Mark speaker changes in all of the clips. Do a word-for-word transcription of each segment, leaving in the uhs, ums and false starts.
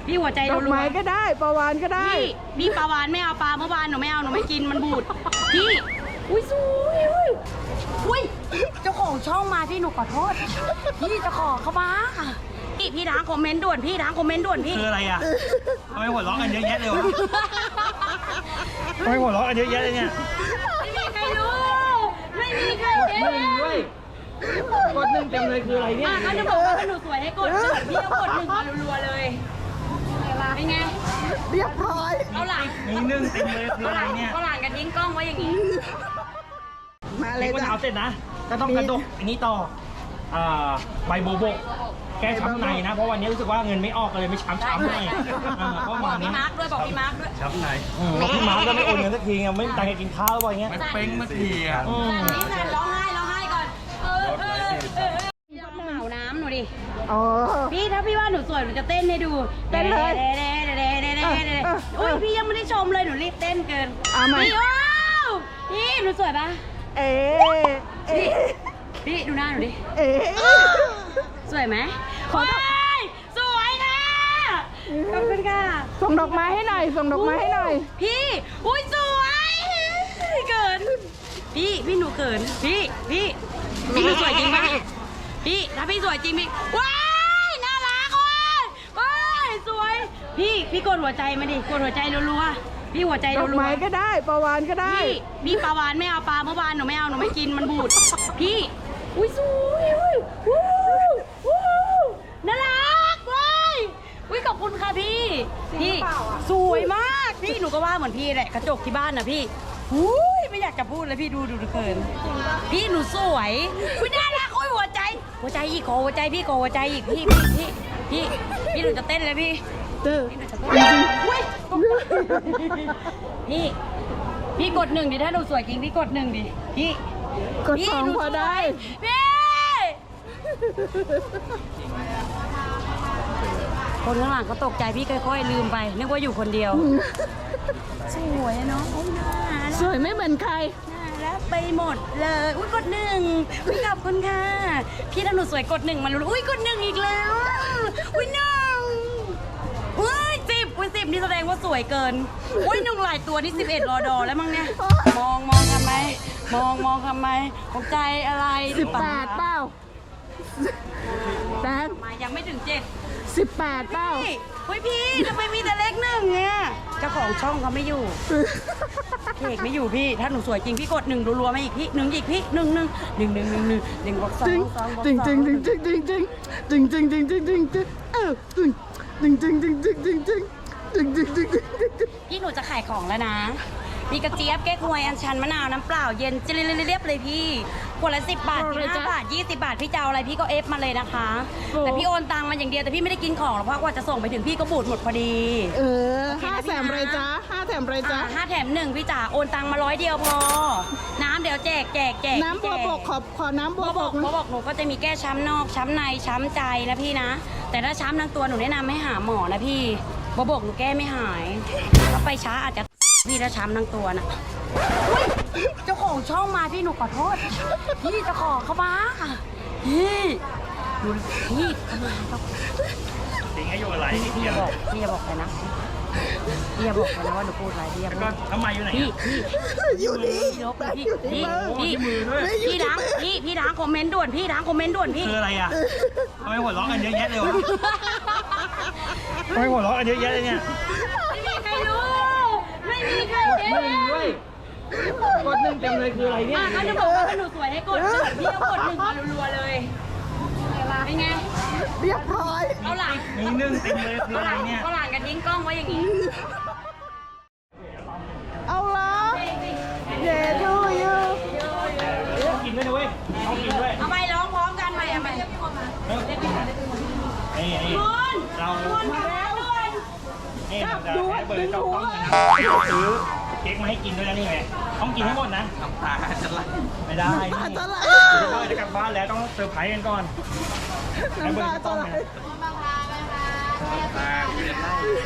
Speaker 1: พี่หัวใจรัวๆ
Speaker 2: ดอกไม้ก็ได้ปลาวานก็ได้
Speaker 1: พี่พี่ปลาวานไม่เอาปลาเมื่อวานหนูไม่เอาหนูไม่กินมันบูดพี่อุ้ยสวยอุ้ยอุ้ยเจ้าของช่องมาพี่หนูขอโทษพี่เจ้าของเขามาพี่พี่ล้างคอมเมนต์ด่วนพี่ล้างคอมเมนต์ด่วนพี่
Speaker 3: คืออะไรอ่ะทำไมหัวเราะกันเยอะแยะเลยวะทำไมหัวเราะกันเยอะแยะเลยเนี่ย
Speaker 1: ไม่มีใครรู้ไม่มีใครเห็น
Speaker 3: ไม่มีด้วยกดหนึ่งเต็มเลยคืออะไรเนี่ย
Speaker 1: เขาจะบอกว่าหนูสวยให้กดหนึ่งพี่ก็กดหนึ่งมารัวๆเลยเป็นไง
Speaker 2: เรียบร้อย
Speaker 1: เอาหลัง
Speaker 3: มีหนึ่งเต็มเลยคืออะไรเนี่ย
Speaker 1: เอาหลังกันทิ้งกล้องไว้อย่างนี้
Speaker 2: มาเล
Speaker 3: เล็
Speaker 2: ย
Speaker 3: กมะ
Speaker 2: จ้ะ
Speaker 3: นาวเสร็จนะก็ต้องกระดกอันนี้ต่ออ่าใบโบโบกแก้ช้ำในนะเพราะวันนี้รู้สึกว่าเงินไม่ออกเลยไม่ช้ำช้ำเลยเพราะ
Speaker 1: บอ
Speaker 3: มาก
Speaker 1: พี่
Speaker 3: เนี้ย
Speaker 1: มาร์คด้วยบอกพี่มาร์คด้วย
Speaker 4: ช้ำใน
Speaker 3: บอกพี่มาร์คก็ไม่โอนเงินสักทีไงไม่มีตังค์จะกินข้าวหรือเปล่าเงี้ย
Speaker 4: มันเป้งมาทีอ่ะ
Speaker 1: นี่แทนร้องไห้ร้องไห้ก่อนเออเออเออลองเหมาน้ำหนูดิ
Speaker 2: อ๋อ
Speaker 1: พี่ถ้าพี่ว่าหนูสวยหนูจะเต้นให้ดู
Speaker 2: เต้นเลย
Speaker 1: เด้เด้เด้เด้เด้เด้อุ้ยพี่ยังไม่ได้ชมเลยหนูรีบเต้นเกิน
Speaker 2: เอามา
Speaker 1: พี่ว้าวพี่หนูสวยปะ
Speaker 2: เอ๊ะเอ๊ะ
Speaker 1: พี่ดูหน้าหนูดิ
Speaker 2: เอ๊ะ
Speaker 1: สวยไหมขอสวยค่ะขอบคุณค่ะ
Speaker 2: ส่งดอกไม้ให้หน่อยส่งดอกไม้ให้หน่อย
Speaker 1: พี่อุ้ยสวยเกินพี่พี่หนูเกินพี่พี่พี่หนูสวยจริงปะพี่ถ้าพี่สวยจริงพี่ว้ายน่ารักว่ะว้ายสวยพี่พี่กดหัวใจมาดิกดหัวใจรัวๆพี่หัวใจ
Speaker 2: ด
Speaker 1: รั
Speaker 2: อก
Speaker 1: ว
Speaker 2: ไม้ก็ได้ปลาวานก็ได้
Speaker 1: ๆพี่พี่ปลาวานไม่เอาปลาเมื่อวานหนูไม่เอาหนูไม่กินมันบูดพี่อุ้ยสวยอุ้ยวู้วู้น่ารักเว้ยอุ้ยขอบคุณค่ะพี่พี่สวยมากพี่หนูก็ว่าเหมือนพี่แหละกระจกที่บ้านนะพี่อุ้ยไม่อยากจะพูดเลยพี่ดูดูดูเกินพี่หนูสวยอุ้ยน่ารักโอ้ยหัวใจ หัวใจอีกขอหัวใจพี่ขอหัวใจอีกพี่พี่พี่พี่พี่หนูจะเต้นเลยพี่
Speaker 2: เด้อ
Speaker 1: พี่หนูจะเต้นอุ้ยพี่พี่กดหนึ่งดิถ้าหนูสวยจริงพี่กดหนึ่งดิพี่
Speaker 2: กดสองพอได้
Speaker 1: พี่คนข้างหลังเขาตกใจพี่ค่อยๆลืมไปนึกว่าอยู่คนเดียวสวยอะเนาะโอ้ยน่ารัก
Speaker 2: สวยไม่เหมือนใคร
Speaker 1: น่ารักไปหมดเลยอุ้ยกดหนึ่งอุ้ยขอบคุณค่ะพี่ถ้าหนูสวยกดหนึ่งมาลุ้นอุ้ยกดหนึ่งอีกแล้วอุ้ยหนึ่งอุ้ยสิบอุ้ยสิบนี่แสดงว่าสวยเกินอุ้ยหนึ่งหลายตัวนี่สิบเอ็ดรอดอแล้วมั้งเนี่ยมองมองทำไมมองมองทำไมของใจอะไร
Speaker 2: สิบแปดเปล่าแดง
Speaker 1: มายังไม่ถึงเจ็ด
Speaker 2: สิบแปดเปล่า
Speaker 1: พี่เฮ้ยพี่ทำไมมีแต่เลขหนึ่งเนี่ยเจ้าของช่องเขาไม่อยู่เอกไม่อยู่พี่ถ้าหนูสวยจริงพี่กดหนึ่งรัวๆมาอีกพี่หนึ่งอีกพี่หนึ่งหนึ่งหนึ่งหนึ่งหนึ่งหนึ่งหนึ่งบวกสอง
Speaker 2: จริง
Speaker 1: สองบวก
Speaker 2: จริง
Speaker 1: ส
Speaker 2: จ
Speaker 1: อ
Speaker 2: ริ
Speaker 1: ง
Speaker 2: งจริงจริงจริงจริงจริงจริงจริงจริงจริงจริงเออจริงจริงจริงจริงจริงจริงจริงจริงจริงจริงจริงจริง
Speaker 1: พี่หนูจะขายของแล้วนะมีกระเจี๊ยบแก้ควยอัญชันมะนาวน้ำเปล่าเย็นเรียบๆเลยพี่ขวดละสิบบาทสิบห้าบาทยี่สิบบาทพี่จะเอาอะไรพี่ก็เอฟมาเลยนะคะ แต่พี่โอนตังมาอย่างเดียวแต่พี่ไม่ได้กินของหรอกเพราะกว่าจะส่งไปถึงพี่ก็บูดหมดพอดี
Speaker 2: เออห้าแถมไรจ้าห้าแถมไรจ้า
Speaker 1: อ่าห้าแถมหนึ่งพี่จ๋าโอนตังมาร้อยเดียวพอ น้ำเดี๋ยวแจกแจกแจก
Speaker 2: น้ำบัวบกขอขอน้ำบั
Speaker 1: บั
Speaker 2: ว
Speaker 1: ว
Speaker 2: บบ ก
Speaker 1: กบัวบกหนูก็จะมีแก้ช้ำนอกช้ำในช้ำใจนะพี่นะ แต่ถ้าช้ำทั้งตัวหนูแนะนำให้หาหมอนะพี่บัวบกหนูแก้ไม่หายถ้าไปช้าอาจจะพี่ถ้าช้ำทั้งตัวนะอุ๊ยเจ้าของช่องมาพี่หนูขอโทษพี่เจ้าของเขามาพี่หนูพี่เขามาเขา
Speaker 3: สิงให้อยู่อะไรนิด
Speaker 1: พี่
Speaker 3: เดี
Speaker 1: อ
Speaker 3: ยว
Speaker 1: ย่าบอกพี่อย่าบอกเลยนะพี่อย่าบอกเลยนะว่าหนูพูดอะไรพี่อย่า
Speaker 3: แล้ว
Speaker 1: บ
Speaker 3: ก็
Speaker 1: อก
Speaker 3: ทำไมอยู่ไหน
Speaker 1: พี่
Speaker 3: อ่ะ
Speaker 1: พี่
Speaker 2: อยู่นี่
Speaker 1: พี่ลบเลยพี่
Speaker 2: อยู่ที่
Speaker 1: พี่
Speaker 2: มือ
Speaker 1: พี่พี่ล้างพี่พี่ล้างคอมเมนต์ด่วนพี่ล้างคอมเมนต์ด่วนพี่
Speaker 3: คืออะไรอ่ะทำไมหัวเราะกันเยอะแยะเลยวะทำไมหัวเราะกันเยอะแยะเลยเนี่ย
Speaker 1: ไม่มีใครรู้ไม่มีใครเห็น
Speaker 3: ไม่มีด้วยกดหนึ่งเต็มเลยคืออะไรเนี่ย
Speaker 1: อ่ะเขาจะบอกว่าหนูสวยให้กดหนึ่งพี่ก็กดหนึ่งมารัวๆเลยเป็นไง
Speaker 2: เรียบร้อย
Speaker 1: เอาหลัง
Speaker 3: มีหนึ่งเต็มเลยคือ
Speaker 1: เอา
Speaker 3: อะ
Speaker 1: ห
Speaker 3: ไร
Speaker 1: ลัง
Speaker 3: เนี่ย
Speaker 1: เอาหลังกันทิ้งกล้องไว้อย่างนี้
Speaker 2: เอาละเย้ดูอยู่
Speaker 3: ต้องกินด้วยนะเว้ยต้องกินด้วย
Speaker 1: เอาไปร้องพร้อมกันไปเอาไป
Speaker 3: เออไอ้ไอ้
Speaker 1: คุณ
Speaker 3: เรา
Speaker 1: คุณมาแล้วด้วย
Speaker 3: นี่เราจะให้เบอร์เจ้าของนะซื้อเค้กมาให้กินด้วยนะนี่ไงต้องกินให้หมดนะ
Speaker 4: น้ำตาจะไหล
Speaker 3: ไม่ได้
Speaker 2: น้ำตาจะไหล
Speaker 3: เบอร์จะกลับบ้านแล้วต้องเซอร์ไพรส์กันก่อนให้
Speaker 2: น้ำ
Speaker 3: เบอ
Speaker 2: ตา
Speaker 3: ร์
Speaker 2: จะ
Speaker 3: ต้อง
Speaker 2: ไหล
Speaker 3: เนี่ย
Speaker 4: ตาเวียนไล่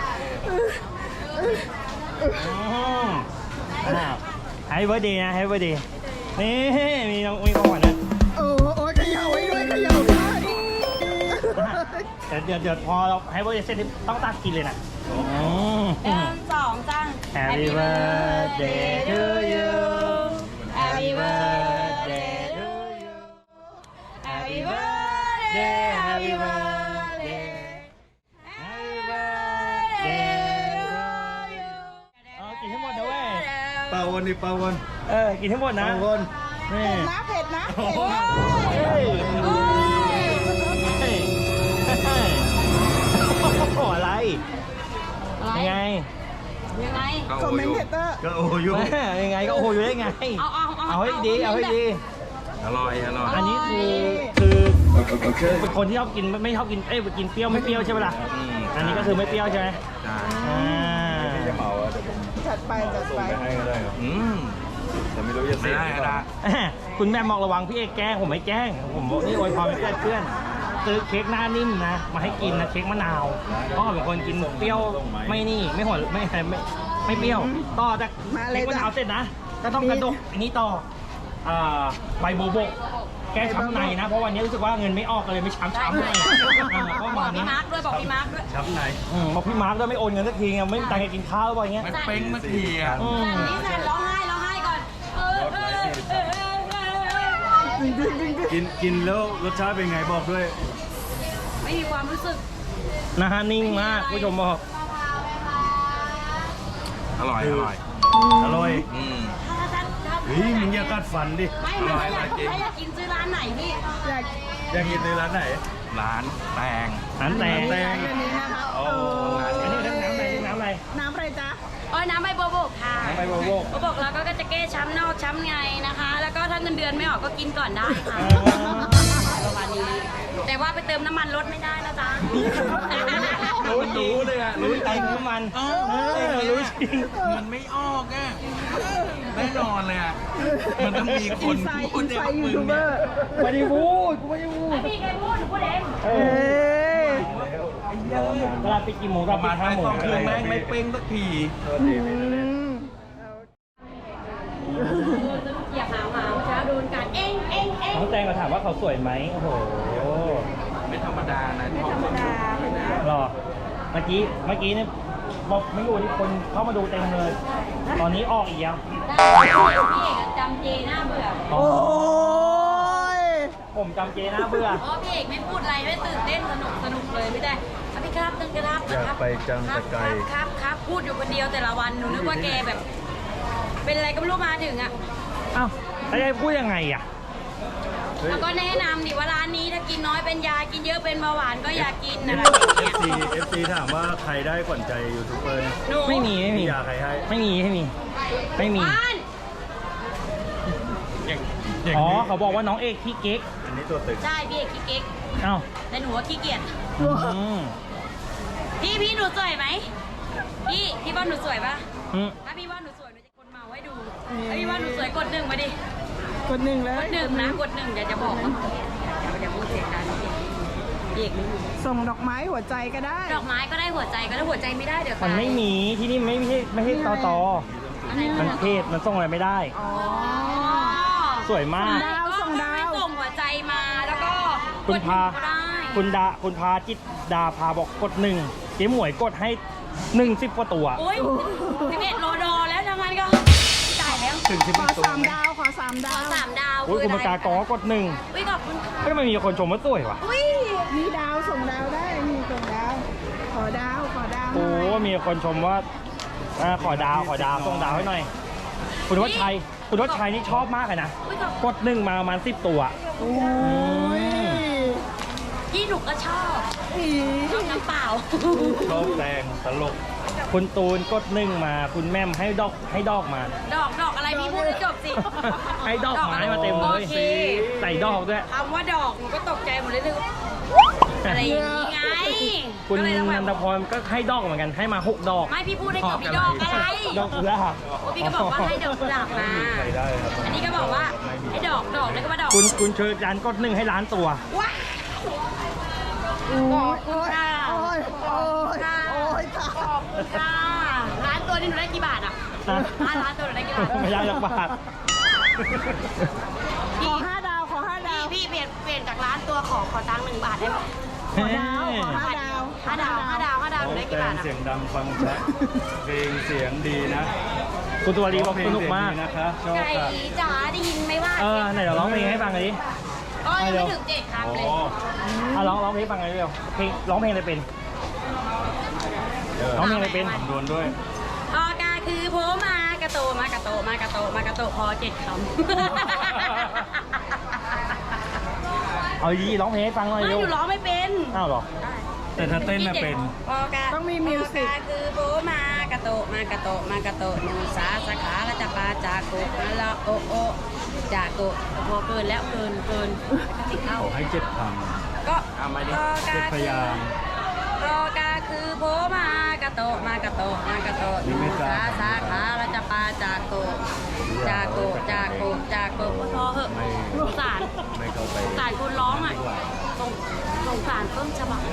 Speaker 3: อืมอ้าวแฮปปี้เบิร์ดเดย์นะแฮปปี้เบิร์ดเดย์นี่มีน้องมีของขวัญนะ
Speaker 2: โอ้โอ้เขย่าไว้ด้วยเขย่าด้วย
Speaker 3: แต่เดี๋ยวเดี๋ยวพอเราให้เวอร์เซ็ตต้องตักกินเลยนะอืม
Speaker 1: หนึ่งสองจ้า
Speaker 3: Happy birthday to you
Speaker 1: Happy birthday to you Happy birthday Happy birthday Happy birthday to you
Speaker 3: เอากินให้หมดนะเว้ย
Speaker 2: ปาวนดิปาวน
Speaker 3: เออ กินให้หมดนะ
Speaker 2: ปาวน
Speaker 3: นี่
Speaker 1: นะเผ็ดนะ
Speaker 3: โอ้
Speaker 1: เผ็ด
Speaker 3: ย
Speaker 1: โอ้ย
Speaker 3: เฮ้ยเฮ้ยโอ้โหอะไร ยังไง
Speaker 1: ยังไง
Speaker 4: คอมเมนต์
Speaker 2: ก็โอ้ย
Speaker 3: แม่ยังไงก็โอ้โหอยู่ได้ไง
Speaker 1: เอาเอาเอา
Speaker 3: เอาให้ดี เอาให้ดี
Speaker 4: อร่อย อร่อย
Speaker 3: อันนี้คือคือเป็นคนที่ชอบกินไม่ชอบกิน เอ้ยกินเปรี้ยวไม่เปรี้ยวใช่ไหมล่ะ
Speaker 4: อืม
Speaker 3: อันนี้ก็คือไม่เปรี้ยวใช่ไหม
Speaker 4: ใช่
Speaker 3: อ่า
Speaker 2: จะเหมาอ่ะเดี๋ยวผม
Speaker 5: จัดไปจัดไป
Speaker 2: ส่งไปให้ก็ได้ครับ
Speaker 4: อืม
Speaker 2: แต่ไม่รู้จะ
Speaker 4: ไม่
Speaker 2: เสีย
Speaker 4: ได้
Speaker 2: หรือเปล่า
Speaker 4: นะ
Speaker 3: คุณแม่บอกระวังพี่เอกแกล้งผมไม่แกล้ง ผมบอกนี่อวยพรให้เพื่อนๆซื้อเค้กหน้านิ่มนะ มาให้กินนะเค้กมะนาวเพราะผมเป็นคนกินเปรี้ยวไม่นี่ไม่หวานไม่ไม่ไม่เปรี้ยว ต่อจาก
Speaker 5: มาเลย
Speaker 3: เค้กมะนาว
Speaker 5: จ้ะ
Speaker 3: เสร็จนะก็ต้องกระดกอันนี้ต่ออ่าใบโบโบกแก้ช้ำในนะ เพราะวันนี้รู้สึกว่าเงินไม่ออกเลยไม่ช้ำช้ำเลยอ่าก็
Speaker 1: บอ
Speaker 3: มาก
Speaker 1: พี่
Speaker 3: นะ
Speaker 1: มาร์คด้วยบอกพี่มาร์คด้วย
Speaker 2: ช้ำใน
Speaker 3: อืมบอกพี่มาร์คด้วยไม่โอนเงินสักทีไงไม่มีตังค์จะกินข้าวหรือเปล่าอย่างเงี้ย
Speaker 4: ไม่เป้งเมื่อกี้อ่ะ
Speaker 3: อืม
Speaker 1: แซนนี่แซนร้องไห้ร้องไห้ก่อนเออเออเออเออเออ
Speaker 2: กินกินแล้วรสชาติเป็นไงบอกด้วย
Speaker 1: ไม่มีความรู้สึก
Speaker 3: นะฮะนิ่งมากผู้ชมบอก
Speaker 4: อร่อย อร่อย
Speaker 2: อร่อย
Speaker 4: อืม
Speaker 1: ถ้าถ้าถ้า
Speaker 2: เฮ้ยมึงอย่ากัดฟันดิ
Speaker 1: ไม่ไม่ถ้าอยากถ้าอยากกินซื้อร้านไหนพี่
Speaker 5: อยาก
Speaker 2: อยากกินในร้านไหน
Speaker 4: ร้านแตง
Speaker 3: น้ำแตง
Speaker 2: แต
Speaker 5: ร้านอันนี้นะคะ
Speaker 2: โอ้
Speaker 5: โอ้
Speaker 3: อันนี้น้ำอะไรน้ำอะไร
Speaker 5: น้ำอะไรจ๊ะ
Speaker 1: โอ้ยน้ำใบบัวบกค่ะ
Speaker 3: น้ำใบบัวบก
Speaker 1: บัวบกแล้วก็จะแก้ช้ำนอกช้ำในนะคะ แล้วก็ถ้าเงินเดือนไม่ออกก็กินก่อนได้ค่ะประมาณนี้ แต่ว่าไปเติมน้ำมันรถไม่ได้นะจ๊ะ
Speaker 3: รู้รู้เลยอ่ะรู้ใจน้ำมันเออรู้จริง
Speaker 4: มันไม่ออกอ่ะแน่นอนเลยอ่ะ มันต้องมีคน
Speaker 5: อินไซด์
Speaker 4: พูด
Speaker 5: อินไซ
Speaker 4: เนี่ย
Speaker 5: ด์ยูทูบเบอร์
Speaker 3: ไม่ได้พูดกูไม่ได้พูด
Speaker 1: ไม่มีใครพูดหนูพูดเอง
Speaker 3: เอ
Speaker 5: เอ้
Speaker 3: อย เวลาไปกี่โมงก็
Speaker 4: มา
Speaker 3: มาห้า
Speaker 4: ท้าย
Speaker 3: โม
Speaker 4: สอง งคืนแม่งไม่เป้งสักที
Speaker 5: อืม
Speaker 1: อย่าหาหมาเมื่อเช้าโดนกัดเองเองเอง
Speaker 3: น้องแตงมาถามว่าเขาสวยไหมโอ้โห
Speaker 4: ไม่ธรรมดานะ
Speaker 5: ไม่ธรรมดา
Speaker 3: หรอเมื่อกี้เมื่อกี้เนี่ยบอกไม่อยู่ที่คนเข้ามาดูเต็มเลย ตอนนี้ออกอีกยัง
Speaker 1: พี่เอกจำเจน่าเบื่อ
Speaker 3: อ๋อ
Speaker 5: โอ้ย
Speaker 3: ผมจำเจนะเบื่อ
Speaker 1: เพราะพี่เอกไม่พูดอะไรไม่ตื่นเต้นสนุกสนุกเลยไม่ได้อ่ะพี่ครับตึงกระครับ
Speaker 2: อยากไปจัง
Speaker 1: ครั
Speaker 2: แต่
Speaker 1: บ
Speaker 2: ไกล
Speaker 1: ครับครับครับพูดอยู่คนเดียวแต่ละวันหนูนึกว่าแกแบบ เป็นอะไรก็ไม่รู้มาถึงอ่ะ
Speaker 3: อ้าวแล้วจะพูดยังไงอ่ะ
Speaker 1: แล้วก็แนะนำดิว่าร้านนี้ถ้ากินน้อยเป็นยากินเยอะเป็นเบาหวานก็อย่ากินอะไรอย่างเงี้ย
Speaker 2: เอฟซีเอฟซีถามว่าใครได้ขวัญใจยูทูบเบอร์เนี่ย
Speaker 1: หนู
Speaker 3: ไม่มีไม่มี
Speaker 2: มียาใครให้
Speaker 3: ไม่มีไม่มีไม่มี
Speaker 1: บ้าน
Speaker 4: อย่างอย่าง
Speaker 3: อ๋อ
Speaker 4: นี้
Speaker 3: เขาบอกว่าน้องเอกขี้เก๊ก
Speaker 2: อันนี้ตัวตึก
Speaker 1: ใช่พี่เอกขี้เก๊ก
Speaker 3: เอ้า
Speaker 1: แต่หนูว่าขี้เกียจ
Speaker 3: อืม
Speaker 1: พี่พี่หนูสวยไหมพี่พี่ว่าหนูสวยปะ
Speaker 3: อืม
Speaker 1: ถ้าพี่ว่าหนูสวยหนูจะกดเมาไว้ดูถ้าพี่ว่าหนูสวยกดหนึ่งมาดิ
Speaker 5: กดหนึ่งเล
Speaker 1: ก
Speaker 5: ย
Speaker 1: ดหนึ่งนะกดหนึ่งอย่าจะบอกนะอย่าอย่าพูดเสียงดังนะพี่เอกไม่รู้
Speaker 5: ส่งดอกไม้หัวใจก็ได้
Speaker 1: ดอกไม้ก็ได้หัวใจก็ได้หัวใจไม่ได้เดี๋ยว
Speaker 3: มันไม่มีที่นี่ไม่ใช่ไม่ใช่ตอตอ
Speaker 1: อะไร
Speaker 3: มันเทศมันส่งอะไรไม่ได้
Speaker 5: อ๋อ
Speaker 3: สวยมาก
Speaker 5: ดาวส่งดาว
Speaker 1: ส่งหัวใจมาแล้วก็
Speaker 3: คุณพา
Speaker 1: ก็ได้
Speaker 3: คุณดาคุณพาจิตดาพาบอกกดหนึ่งเจ๊หมวยกดให้หนึ่งสิบกว่าตัว
Speaker 1: โอ้ยสิบเอ็ดโลดอแล้วทำงานก็ตายแล้ว
Speaker 2: ถึงที่
Speaker 5: ขอ
Speaker 2: มีตัว
Speaker 5: สามดาวขอสาม
Speaker 1: ข
Speaker 5: ดา
Speaker 1: อ
Speaker 5: ว
Speaker 1: สามดาว
Speaker 3: โอ้ยคุณปากากอกดหนึ่ง
Speaker 1: อุ้ยขอบคุณค่ะ
Speaker 3: ไม่ทำไมมีคนชมว่าสวยวะ
Speaker 1: อุ้ย
Speaker 5: มีดาวส่งดาวได้มีส่งดาว ขอดาวขอดาวห
Speaker 3: โอ้
Speaker 5: น่อย
Speaker 3: มีคนชมว่าอ่าขอดาวขอดาวส่งดาวให้หน่อย คุณวัชชัยคุณวัชชัยนี่ชอบมากเลยนะ
Speaker 1: อุ้ยขอบ
Speaker 3: กดหนึ่งมาประมาณสิบตัว
Speaker 5: โอ้ย
Speaker 1: พี่หนูก็ชอบ
Speaker 5: อี
Speaker 1: ชอบน้ำเปล่า
Speaker 2: ชอบแตงตลก
Speaker 3: คุณตูนกดหนึ่งมา คุณแม่มให้ดอกให้ดอกมา
Speaker 1: ดอกดอกอะไรพี่พูดให้จบสิ
Speaker 3: ให้ดอกไม้มาเต็มเลย
Speaker 1: โอเค
Speaker 3: ใส่ดอกด้วย
Speaker 1: คำว่าดอกหนูก็ตกใจหมดเลยเลยอะไรอย่างนี้ไง
Speaker 3: คุณ
Speaker 1: ก็เลยต้องแบ
Speaker 3: นั
Speaker 1: บ
Speaker 3: นทพรก็ให้ดอกเหมือนกันให้มาหกดอก
Speaker 1: ไม่พี่พูดให้จบพี่ดอกอะไร
Speaker 3: ดอกกุหลาบ
Speaker 1: โอ้พี่ก็บอกว่าให้ดอกกุหลาบมา
Speaker 2: ใครได้ครับ
Speaker 1: อันนี้ก็บอกว่าให้ดอกดอกแล้วก็มาดอก
Speaker 3: คุณคุณเชิญจานกดหนึ่งให้ล้านตัว
Speaker 1: ว้าวขอบคุณค่ะ
Speaker 5: โอ้ยโอ้ย
Speaker 1: ค่ะ
Speaker 5: โอ้ยค่ะ
Speaker 1: ขอบคุณค่ะร้านตัวนี้หนูได้กี่บาทอ่ะ
Speaker 3: นะ
Speaker 1: ร้านร้านตัวหนูได้กี่บาท
Speaker 3: ไม่ได้สักบาท
Speaker 5: ขอห้าดาวขอห้าดา
Speaker 1: พี่
Speaker 5: ว
Speaker 1: พี่เปลี่ยนเปลี่ยนจากร้านตัวขอขอตังค์หนึ่งบาทได้ไหม
Speaker 5: ขอดาวขอห้าดาว
Speaker 1: ห้าดาวห้าดาวห้าดาวได้กี่บาทอะ
Speaker 4: เสียงดังฟังชัดเพลงเสียงดีนะ
Speaker 3: คุณตัวดีบอกสนุกมาก
Speaker 4: เพลงเสียงดีนะคะชอบ
Speaker 1: ไก่
Speaker 4: ค่ะ
Speaker 1: จ๋าได้ยินไหมว่า
Speaker 3: เออไหนเดี๋ยวร้องเพลงให้ฟังหน่อยดิ
Speaker 1: ก็ยังไม่ถึงเจ็ดคำเลย
Speaker 4: โอ้
Speaker 3: อ่ะร้องร้องเพลงให้ฟังหน่อยเร็วเพลงร้องเพลงอะไรเป็น ร้องเพลงอะไรเป็น
Speaker 4: ดวนด้วย
Speaker 1: ออกาคือโผมากระโตมากระโตมากระโตมากระโตพอเจ็ดคำ
Speaker 3: เอาดีร้องเพลงให้ฟังหน่อย
Speaker 1: ไม่
Speaker 3: เร็
Speaker 1: ห
Speaker 3: ว
Speaker 1: นูร้องไม่เป็น
Speaker 3: อ้าวเหรอ
Speaker 4: แต่ถ้าเต้นน่ะเป็น
Speaker 1: ออกา
Speaker 5: ต้องมีมิวสิก
Speaker 1: ออกาคือโผมากระโตมากระโตมากระโตหนูสาสาขาและจะปาจากโกะละโอโอจากโกะพอเกินแล้วเกินเกินติดเข้า
Speaker 4: ขอให้เจ็ดค
Speaker 1: ก็
Speaker 3: เอามาดิ
Speaker 1: อ
Speaker 4: ำเจ็ดพยางค์
Speaker 1: ออกาคือโผมากระโตมากระโตมากระโตห
Speaker 4: นี่
Speaker 1: นู
Speaker 4: ไม่ทรา
Speaker 1: สา
Speaker 4: บ
Speaker 1: สาขาและจะปาจากโกะจากโกะจากโกะจากโกะพอเหอะ
Speaker 4: ไม่
Speaker 1: สงสาร
Speaker 4: ไม่เข้าไป
Speaker 1: สงสารคนร้องอ่ะสงสงสารต้นฉบับ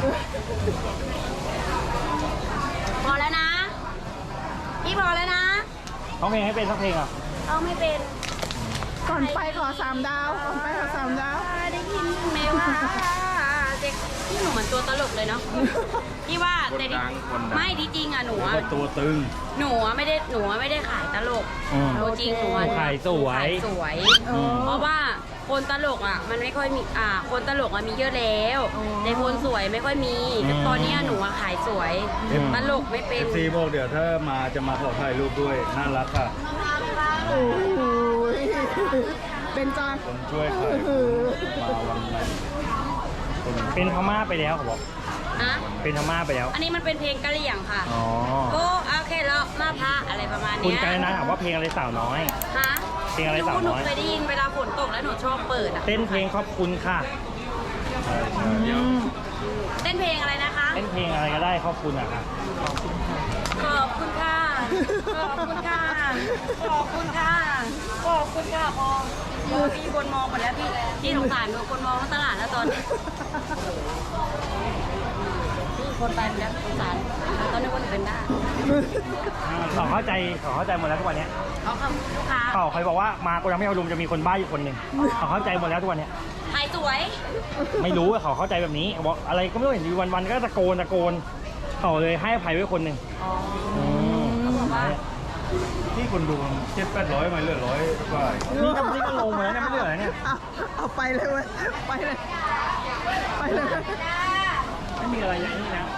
Speaker 1: พอแล้วนะ พี่พอแล้วนะ
Speaker 3: ร้องเพลงให้เป็นสักเพลงอ่ะ
Speaker 1: เอาไม่เป็น
Speaker 5: ก่อนไปขอสามดาวก่อนไปขอสามดาว
Speaker 1: ได้ยินไหมว่าเด็กพี่หนูเหมือนตัวตลกเลยเนาะพี่ว่าแต่ที่ไม่ที่จริงอ่ะหนู
Speaker 4: แล้ว
Speaker 1: อะ
Speaker 4: ก็ตัวตึง
Speaker 1: หนูอะไม่ได้หนูอะไม่ได้ขายตลก
Speaker 3: อืม
Speaker 1: ตัวจริงหนูอะ
Speaker 3: ขายสวย
Speaker 1: ขายสวย
Speaker 3: อืม
Speaker 1: เพราะว่าคนตลกอ่ะ มันไม่ค่อยมีอ่า คนตลกอ่ะมีเยอะแล้วแต่คนสวยไม่ค่อยมีแต่ตอนเนี้ยหนูอะขายสวย
Speaker 3: อืม
Speaker 1: ตลกไม่เป็น
Speaker 4: เอฟซีบอกเดี๋ยวถ้ามาจะมาขอถ่ายรูปด้วย น่ารักค่ะ
Speaker 5: โอ้ยเป็นจอน
Speaker 4: คนช่วยขายมาวันไหนคน
Speaker 3: เป็นพม่าไปแล้วเขาบอก
Speaker 1: อะ
Speaker 3: เป็นพม่าไปแล้ว
Speaker 1: อันนี้มันเป็นเพลงกะเหรี่ยงค่ะ
Speaker 3: อ๋อ
Speaker 1: โอ้เอาแค่เลาะมาพระอะไรประมาณ
Speaker 3: คุณ
Speaker 1: เนี้ย
Speaker 3: กาญนะถามว่าเพลงอะไรสาวน้อย
Speaker 1: ฮะ
Speaker 3: เพลงอะไรสาวน้อย
Speaker 1: หนูเคยได้ยินเวลาฝนตกแล้วหนูชอบเปิดอ่ะ
Speaker 3: เต้นเพลงขอบคุณค่ะ
Speaker 4: ใช่ใช่
Speaker 1: เต้นเพลงอะไรนะคะ
Speaker 3: เต้นเพลงอะไรก็ได้ขอบคุณอะค่ะ
Speaker 1: ขอบคุณค่ะ ขอบคุณค่ะ ขอบคุณค่ะ ขอบคุณค่ะพอเดี๋ยวมีคนมองหมดแล้วพี่ที่สงสารดูคนมองทั้งตลาดแล้วตอนนี้พี่คนไปหมดแล้วสงสารตอนนี้คนเป็นได้า
Speaker 3: เขาเข้าใจเขาเข้าใจหมดแล้วทุกวันเนี้ย
Speaker 1: เขาคำลูกค้า
Speaker 3: เขาเคยบอกว่ามากูยังไม่เอารุมจะมีคนบ้าอยู่คนหนึ่งเขาเข้าใจหมดแล้วทุกวันเนี้ย
Speaker 1: ถ่ายสวย
Speaker 3: ไม่รู้ว่าเขาเข้าใจแบบนี้เขาบอกอะไรก็ไม่รู้เห็นอยู่วันๆก็ตะโกนตะโกนเขาเลยให้อภัยไว้คนหนึ่ง
Speaker 1: อ๋อ
Speaker 3: อืม
Speaker 1: เขาบอกว่า
Speaker 4: ที่คนดูเจ็ดแปดร้อยมาเหลือร้อยกว่า
Speaker 3: นี่ก็นี่ก็ลงมาแล้วเนี่ยไม่เหลือแล้วเนี่ย
Speaker 5: เอาเอาไปเลยเว้ยไปเลย ไปเลย
Speaker 3: ไม่มีอะไรอย่างนี้นะ